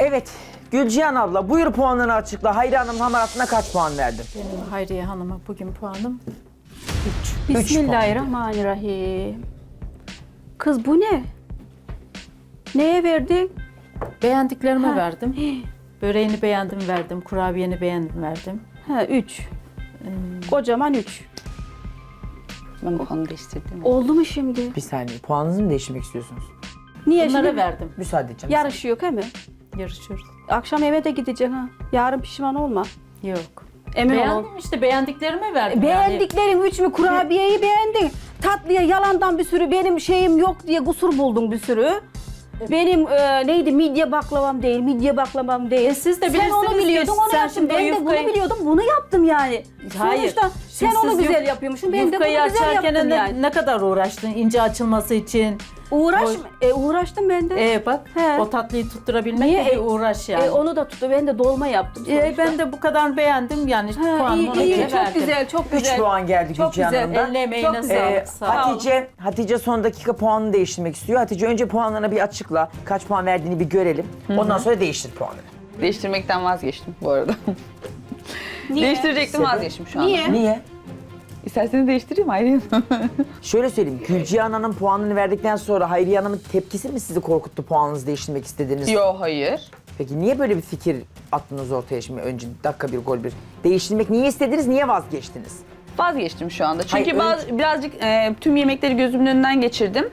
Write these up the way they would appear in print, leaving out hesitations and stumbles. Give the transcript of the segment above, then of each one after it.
Evet, Gülcihan abla buyur puanını açıkla. Hayriye Hanım hamaratına kaç puan verdin? Benim Hayriye Hanım'a bugün puanım 3 Bismillahirrahmanirrahim. Kız bu ne? Neye verdin? beğendiklerime Ha. verdim. Böreğini beğendim verdim, kurabiyeni beğendim verdim. Ha 3. Kocaman 3. Ben puanı değiştirdim. Oldu mu şimdi? Bir saniye, puanınızı mı değiştirmek istiyorsunuz? Niye Bunlara şimdi? verdim. Müsaade edeceğim. Yarışı yok he mi? Yarışıyoruz. Akşam eve de gideceksin ha. Yarın pişman olma. Yok. Emin ol. Beğendim işte beğendiklerime verdim. Beğendiklerin 3 mü? Kurabiyeyi beğendin. Tatlıya yalandan bir sürü benim şeyim yok diye kusur buldun bir sürü. Benim neydi midye baklavam değil, midye baklavam değil. Siz de sen bilirsiniz onu biliyordun, ki onu sen yaptın. şimdi Ben de yufkayı- bunu biliyordum, bunu yaptım yani. Hayır. Sonuçta sen Şimdi onu siz güzel yapıyormuşsun, ben de bunu Yufkayı güzel açarken yaptım ne, yani. ne kadar uğraştın ince açılması için. Uğraştım ben de. Bak He. o tatlıyı tutturabilmek Niye? de bir uğraş yani. Onu da tuttu, ben de dolma yaptım sonuçta. Ben de bu kadar beğendim yani puanımı ona iyi, göre çok verdim. güzel, çok 3 güzel. puan geldi Çok Gülcihan güzel. Hanım'dan. Eline emeğine Çok güzel. sağlık. Sağ ol. Hatice son dakika puanını değiştirmek istiyor. Hatice önce puanlarını bir açıkla. Kaç puan verdiğini bir görelim. Ondan sonra değiştir puanını. Değiştirmekten vazgeçtim bu arada. Niye? Değiştirecektim, vazgeçtim şu anda. Niye? Niye? İsterseniz değiştireyim Hayriye Hanım. Şöyle söyleyeyim. Gülcihan Hanım puanını verdikten sonra Hayriye Hanım'ın tepkisi mi sizi korkuttu puanınızı değiştirmek istediğiniz? Yo, hayır. Peki niye böyle bir fikir attınız ortaya şimdi önce dakika bir gol bir? Değiştirmek niye istediniz, niye vazgeçtiniz? Vazgeçtim şu anda. Çünkü Hayır, birazcık tüm yemekleri gözümün önünden geçirdim.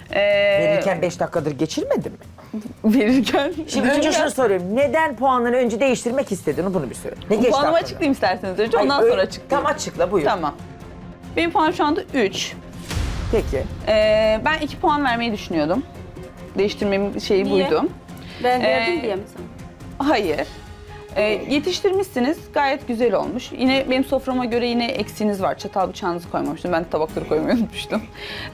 Verirken 5 dakikadır geçirmedin mi? Verirken. Şimdi önce şunu soruyorum. Neden puanını önce değiştirmek istedin? Bunu bir söyle. Ne geçti Puanımı aklına? açıklayayım isterseniz önce, Hayır, ondan öyle- sonra açıklayayım. Tam açıkla buyur. Tamam. Benim puanım şu anda 3. Peki. Ben 2 puan vermeyi düşünüyordum. Değiştirmemin şeyi Niye? buydu. Ben verdim Ee, diye mi sana? Hayır. Yetiştirmişsiniz. Gayet güzel olmuş. Yine benim soframa göre yine eksiğiniz var. Çatal bıçağınızı koymamıştım. Ben de tabakları koymayı unutmuştum.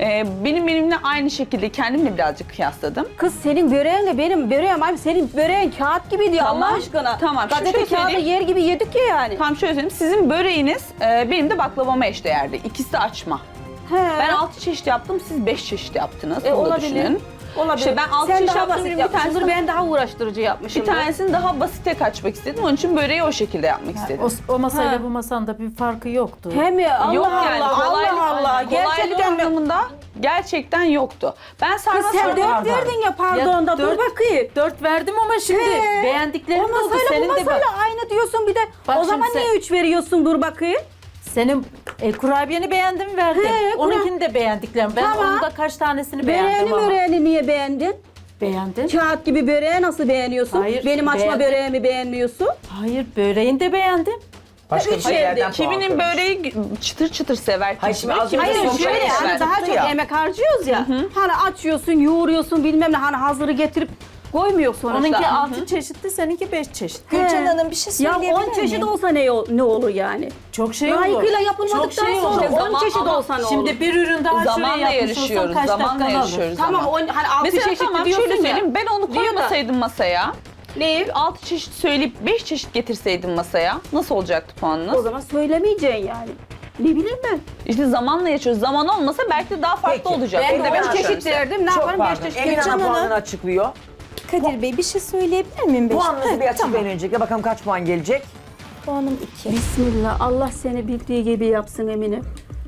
Benimle aynı şekilde kendimle birazcık kıyasladım. Kız senin böreğinle benim böreğim abi senin böreğin kağıt gibi diyor Tamam, Allah aşkına. tamam. Şimdi Gazete şöyle kağıdı söyleyeyim. yer gibi yedik ya yani. Tam şöyle söyleyeyim. Sizin böreğiniz benim de baklavama eşdeğerdi. İkisi de açma. He. Ben 6 çeşit yaptım. Siz 5 çeşit yaptınız. Onu da olabilir. düşünün. Olabilir. İşte ben altı Sen çeşit daha yaptım, basit bir yapmışsındır, tanesini- ben daha uğraştırıcı yapmışım. Bir tanesini daha basite kaçmak istedim. Onun için böreği o şekilde yapmak istedim. O masayla Ha. bu masanda bir farkı yoktu. He mi? Allah Yok Allah, yani Allah kolaylık, Allah. kolaylık Gerçekten mi? anlamında gerçekten yoktu. Ben Kız sarma sen sarma 4 verdin ya pardon da dur dört- bakayım. 4 verdim ama şimdi He. beğendiklerim O oldu. masayla bu Senin de masayla bak. aynı diyorsun bir de. Bak o zaman şimdi sen- niye 3 veriyorsun dur bakayım. Senin kurabiyeni beğendim verdim. He, Onunkini de beğendiklerim. Ben Tamam. onun da kaç tanesini beğendim Böreğini ama. böreğini niye beğendin? Beğendin. Kağıt gibi böreği nasıl beğeniyorsun? Hayır, Benim açma beğendim. böreğimi beğenmiyorsun. Hayır böreğini de beğendim. Başka bir üç şeylerden puan Kiminin kırmış. böreği çıtır çıtır sever. Hayır, şimdi az kimisi önce Hayır son şöyle şey yani sever. daha Çıktı çok ya. emek harcıyoruz ya. Hani açıyorsun, yoğuruyorsun bilmem ne hani hazırı getirip koymuyor sonuçta. Onunki 6 çeşitli, seninki 5 çeşit. He. Gülcan Hanım bir şey Ya söyleyebilir 10 çeşit miyim? olsa ne olur yani? Çok şey olur. Layıkıyla yapılmadıktan Çok şey sonra olur. 10 Zaman- çeşit ama olsa ne olur? Şimdi bir ürün daha şöyle Zamanla yapmış olsan yarışıyoruz. kaç Zamanla dakikanı alır? yarışıyoruz. Tamam ama. hani 6 Mesela çeşit tamam diyorsun şöyle ya. söyleyeyim. Ben onu Diyor da- koymasaydım masaya. Ne? 6 çeşit söyleyip 5 çeşit getirseydim masaya nasıl olacaktı O puanınız? zaman söylemeyeceksin yani. Ne bileyim ben. İşte zamanla yaşıyoruz. Zaman olmasa belki de daha farklı Peki. olacak. Ben Onu de demek 10 istiyorum çeşit size. verdim. Ne Çok yaparım 5 pardon. çeşit. Emine Gülcan Hanım Hanım. puanını açıklıyor. Kadir Bey bir şey söyleyebilir miyim? Puanınızı bir Heh, açıklayın öncelikle. Bakalım kaç puan gelecek? Puanım 2. Bismillah Allah seni bildiği gibi yapsın Emine.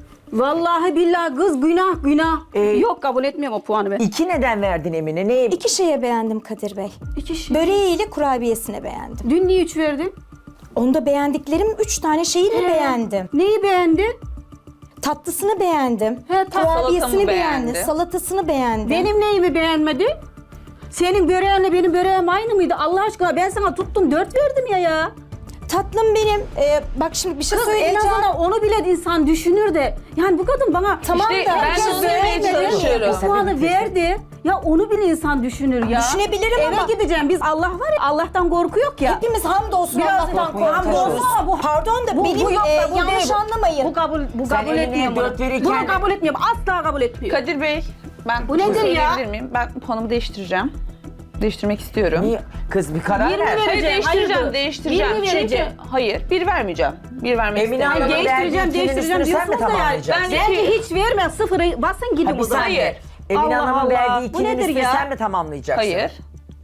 Vallahi billahi kız günah. Yok kabul etmiyorum o puanı ben. 2 neden verdin Emine? Neyi? 2 şeye beğendim Kadir Bey. 2 şey. Böreğiyle kurabiyesini beğendim. Dün niye 3 verdin? Onda beğendiklerim 3 tane şeyini beğendim. Neyi beğendin? Tatlısını beğendim. Salatamı Kurabiyesini beğendi. beğendim. Salatasını beğendim. Benim neyimi beğenmedin? Senin böreğinle benim böreğim aynı mıydı? Allah aşkına ben sana tuttum 4 verdim ya. Tatlım benim. Bak şimdi bir şey Kız en söyleyeceğim. azından onu bile insan düşünür de. Yani bu kadın bana Tamam İşte da ben herkes de onu demeye beğenmedi. çalışıyorum. bu puanı verdi. Ya onu bile insan düşünür ya. Düşünebilirim Eve ama- gideceğim. Biz Allah var ya Allah'tan korku yok ya. Hepimiz hamdolsun Biraz Allah'tan korkmaya hamdolsun çalışıyoruz. ama bu pardon da Bu benim yok da bu yanlış değil bu. anlamayın. Bu kabul Sen kabul eline etmiyorum. bunu. 4 verirken- Bunu kabul etmiyorum. Asla kabul etmiyorum. Kadir Bey, ben Bu nedir ya? söyleyebilir miyim? Ben puanımı değiştireceğim. Değiştirmek istiyorum. Niye? Kız bir karar 20 ver. ver. Hayır Vereceğim, hayırdır? değiştireceğim. 20 vereceğim. Çünkü hayır, bir vermeyeceğim. Bir vermek Emine istemiyorum. Hanım'ın Değiştireceğim, verdiği değiştireceğim ikinin üstünü sen mi diyorsunuz da yani. tamamlayacaksın? Ben- Bence hiç verme. Sıfırı basın Ha, gidin bir o zaman. saniye. Hayır. Emine Allah Hanım'ın Allah. verdiği Bu ikinin nedir üstünü ya? sen mi tamamlayacaksın? Hayır.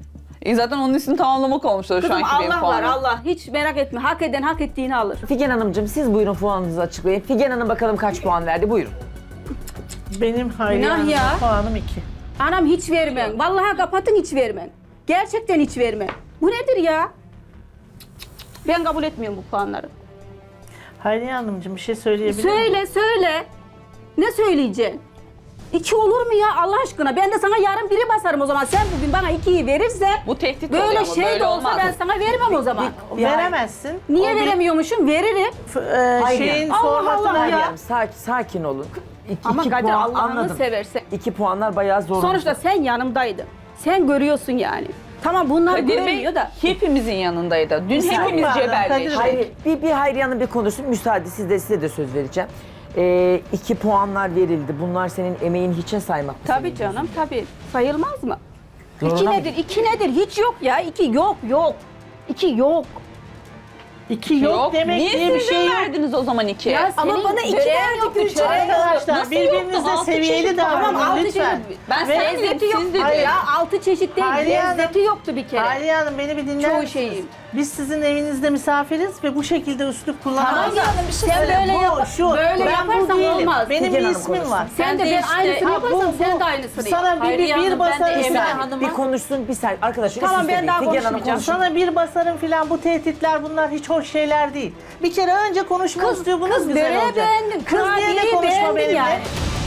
Zaten onun üstünü tamamlamak olmuştu şu Kızım anki benim Allah var puanım. Allah. Hiç merak etme. Hak eden hak ettiğini alır. Figen Hanımcığım siz buyurun puanınızı açıklayın. Figen Hanım bakalım kaç puan verdi buyurun. Benim Hayriye Günah Hanım'a ya. puanım 2. Anam hiç vermem. Vallahi kapatın hiç vermem. Gerçekten hiç vermem. Bu nedir ya? Ben kabul etmiyorum bu puanları. Hayriye Hanımcığım bir şey söyleyebilir miyim? Söyle. Ne söyleyeceksin? 2 olur mu ya Allah aşkına? Ben de sana yarın biri basarım o zaman. Sen bugün bana 2'yi verirsen Bu tehdit oluyor böyle ama şey böyle de olsa olmaz. ben sana vermem o zaman. Veremezsin. Niye O bir- veremiyormuşum? Veririm. Hayriye. Şeyin Allah formatına Allah Hayriye ya. Hanım sakin olun. Ama İki Kadir puan Allah'ını anladım. seversen. 2 puanlar bayağı zor. Sonuçta sen yanımdaydın. Sen görüyorsun yani. Tamam bunlar Kadir Bey göremiyor da. hepimizin yanındaydı. Dün hepimiz Pardon, cebelleştik. Kadir Hayır, bir Hayriye Hanım bir konuşsun. Müsaade size de söz vereceğim. 2 puanlar verildi. Bunlar senin emeğin hiçe saymak mı? Tabii senin canım tabii. Sayılmaz mı? Zoruna 2 mı? nedir? 2 nedir? Hiç yok ya. 2 yok. 2 yok. 2 yok demek Niye diye bir siz şey yok. verdiniz o zaman 2? Ya Ama senin bana 2 böreğin verdi yoktu, Gülcan. çöreğin yoktu. Arkadaşlar Nasıl birbirinize yoktu? Altı seviyeli çeşit Tamam davranın 6 lütfen. çeşit. Ben Ve- sen Lezzeti yok. siz dedin. Hayır ya 6 çeşit değil. Hayriye Hanım. Lezzeti yoktu bir kere. Hayriye Hanım beni bir dinler Çoğu misiniz? şeyim. Biz sizin evinizde misafiriz ve bu şekilde üslup Tamam kullanamayız. ya bir şey sen söyle. böyle Bu, şu, böyle ben yaparsan bu değilim. olmaz. Benim Figen bir Hanım ismim konuşsun. var. Sen de Ben de ben işte- aynısını Ha, bu- yaparsan bu- sen de aynısını yap. Sana Hayriye bir Hanım, ben de basarım Bir Emine filan. saniye, Hanım'a- bir konuşsun bir saniye. Arkadaşlar Tamam, siz ben de daha Figen Hanım konuşmayacağım. konuşsun. Sana bir basarım filan bu tehditler bunlar hiç hoş şeyler değil. Bir kere önce konuşma üslubunuz Kız güzel böreği olacak. beğendim. Kız diye de Kurabiyeyi konuşma beğendim benimle. yani.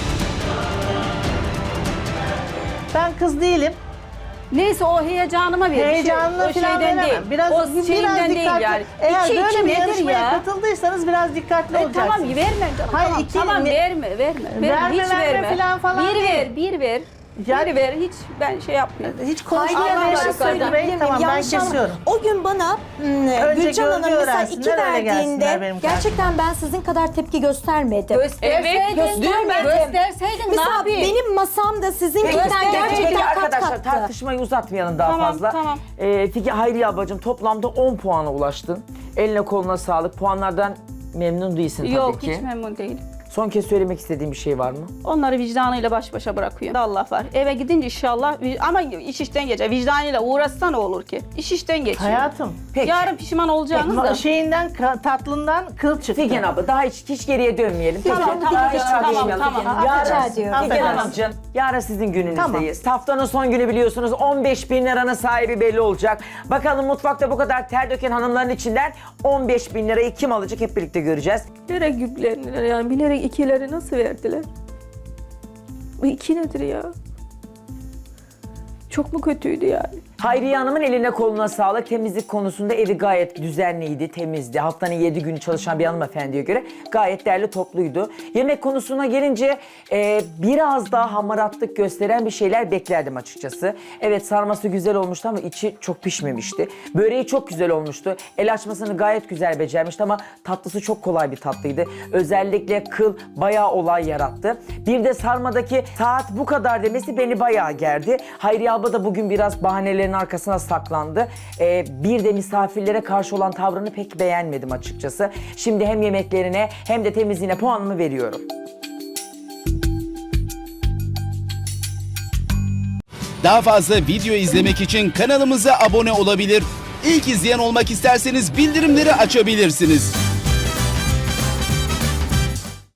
Ben kız değilim. Neyse o heyecanıma ver. Heyecanına o falan şeyden veremem. değil. Biraz, o biraz şeyinden değil dikkatli. yani. Eğer İki böyle bir nedir yarışmaya ya? katıldıysanız biraz dikkatli olacaksınız. Tamam verme canım. Hayır, tamam, iki- tamam ne- verme. Verme, hiç verme falan falan bir değil. ver, bir ver. Yani- Bir ver, hiç ben şey yapmıyorum. Hiç Hayriye konuşmaya Hanım bir şey başladı söyleyebilir Bey. miyim? Tamam ben Yanlış anlama. kesiyorum. O gün bana Önce Gülcan Hanım gölge mesela öğrensinler, 2 öyle gelsinler verdiğinde benim gerçekten ben sizin kadar tepki göstermedim. Gösterseydin, gösterseydin ne Mesela yapayım? benim masamda sizinkinden Peki gerçekten kat arkadaşlar kattı. tartışmayı uzatmayalım daha Tamam, fazla. tamam. Figen Hayriye ablacığım toplamda 10 puana ulaştın. Eline koluna sağlık. Puanlardan memnun değilsin tabii Yok ki. hiç memnun değilim. Son kez söylemek istediğim bir şey var mı? Onları vicdanıyla baş başa bırakıyor. Allah var. Eve gidince inşallah ama iş işten geçer. Vicdanıyla uğraşsa ne olur ki? İş işten geçiyor. Hayatım. Peki. Yarın pişman olacağınız da. Şeyinden tatlından kıl çıktı. Figen abla daha hiç geriye dönmeyelim. Peki. Tamam, daha tamam, hiç tamam, tartışmayalım. tamam. Yarın, Rica ediyorum. Figen Affedersin. Hanımcığım, yarın sizin gününüzdeyiz. Tamam. Haftanın son günü biliyorsunuz 15.000 liranın sahibi belli olacak. Bakalım mutfakta bu kadar ter döken hanımların içinden 15.000 lirayı kim alacak hep birlikte göreceğiz. Bilerek yüklendiler yani bilerek ikileri nasıl verdiler? Bu 2 nedir ya? Çok mu kötüydü yani? Hayriye Hanım'ın eline koluna sağlık. Temizlik konusunda evi gayet düzenliydi, temizdi. Haftanın 7 günü çalışan bir hanımefendiye göre gayet derli topluydu. Yemek konusuna gelince biraz daha hamaratlık gösteren bir şeyler beklerdim açıkçası. Evet sarması güzel olmuştu ama içi çok pişmemişti. Böreği çok güzel olmuştu. El açmasını gayet güzel becermişti ama tatlısı çok kolay bir tatlıydı. Özellikle kıl bayağı olay yarattı. Bir de sarmadaki saat bu kadar demesi beni bayağı gerdi. Hayriye abla da bugün biraz bahanelerin arkasına saklandı. Bir de misafirlere karşı olan tavrını pek beğenmedim açıkçası. Şimdi hem yemeklerine hem de temizliğine puanımı veriyorum. Daha fazla video izlemek için kanalımıza abone olabilir. İlk izleyen olmak isterseniz bildirimleri açabilirsiniz.